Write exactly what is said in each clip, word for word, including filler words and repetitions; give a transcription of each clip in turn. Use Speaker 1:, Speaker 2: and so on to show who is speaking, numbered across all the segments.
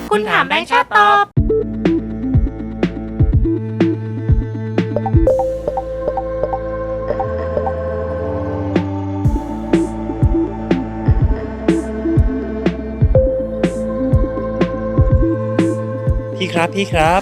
Speaker 1: คุณถามแบงค์ชาติตอบ
Speaker 2: พี่ครับพี่ครับ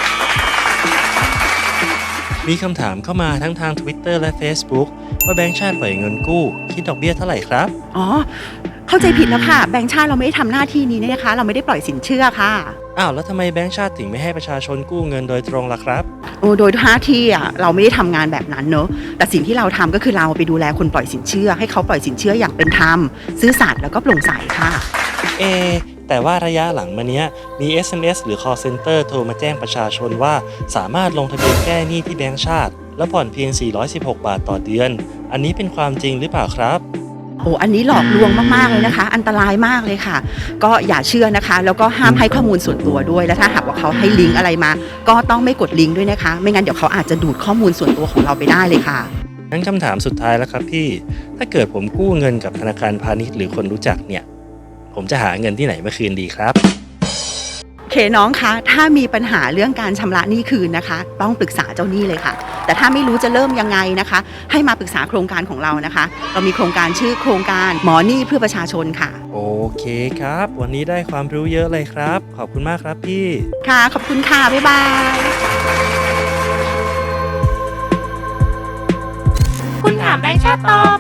Speaker 2: มีคำถามเข้ามาทั้งทาง Twitter และ Facebook ว่าแบงก์ชาติปล่อยเงินกู้คิดดอกเบี้ยเท่าไหร่ครับ
Speaker 3: อ๋อเข้าใจผิดแล้วค่ะแบงก์ชาติเราไม่ได้ทำหน้าที่นี้นะคะเราไม่ได้ปล่อยสินเชื่อค่ะ
Speaker 2: อ้าวแล้วทำไมแบงก์ชาติถึงไม่ให้ประชาชนกู้เงินโดยตรงล่ะครับ
Speaker 3: โอ้โดยหน้าที่อ่ะเราไม่ได้ทำงานแบบนั้นเนอะแต่สิ่งที่เราทำก็คือเราไปดูแลคนปล่อยสินเชื่อให้เขาปล่อยสินเชื่ออย่างเป็นธรรมซื่อสัตย์แล้วก็โปร่งใสค่ะ
Speaker 2: เอแต่ว่าระยะหลังมาเนี้ยมี เอส เอ็ม เอส หรือ call center โทรมาแจ้งประชาชนว่าสามารถลงทะเบียนแก้หนี้ที่แบงก์ชาติแล้วผ่อนเพียงสี่ร้อยสิบหกบาทต่อเดือนอันนี้เป็นความจริงหรือเปล่าครับ
Speaker 3: โอ้อันนี้หลอกลวงมากๆเลยนะคะอันตรายมากเลยค่ะก็อย่าเชื่อนะคะแล้วก็ห้ามให้ข้อมูลส่วนตัวด้วยและถ้าหากว่าเขาให้ลิงก์อะไรมาก็ต้องไม่กดลิงก์ด้วยนะคะไม่งั้นเดี๋ยวเขาอาจจะดูดข้อมูลส่วนตัวของเราไปได้เลยค่ะ
Speaker 2: งั้นคำถามสุดท้ายแล้วครับพี่ถ้าเกิดผมกู้เงินกับธนาคารพาณิชย์หรือคนรู้จักเนี่ยผมจะหาเงินที่ไหนมาคืนดีครับ
Speaker 3: เคน้องคะถ้ามีปัญหาเรื่องการชำระหนี้คืนนะคะต้องปรึกษาเจ้าหนี้เลยค่ะแต่ถ้าไม่รู้จะเริ่มยังไงนะคะให้มาปรึกษาโครงการของเรานะคะเรามีโครงการชื่อโครงการหมอหนี้เพื่อประชาชนค่ะ
Speaker 2: โอเคครับวันนี้ได้ความรู้เยอะเลยครับขอบคุณมากครับพี่
Speaker 3: ค่ะขอบคุณค่ะบ๊ายบาย
Speaker 1: คุณถามแบงค์ชาติตอบ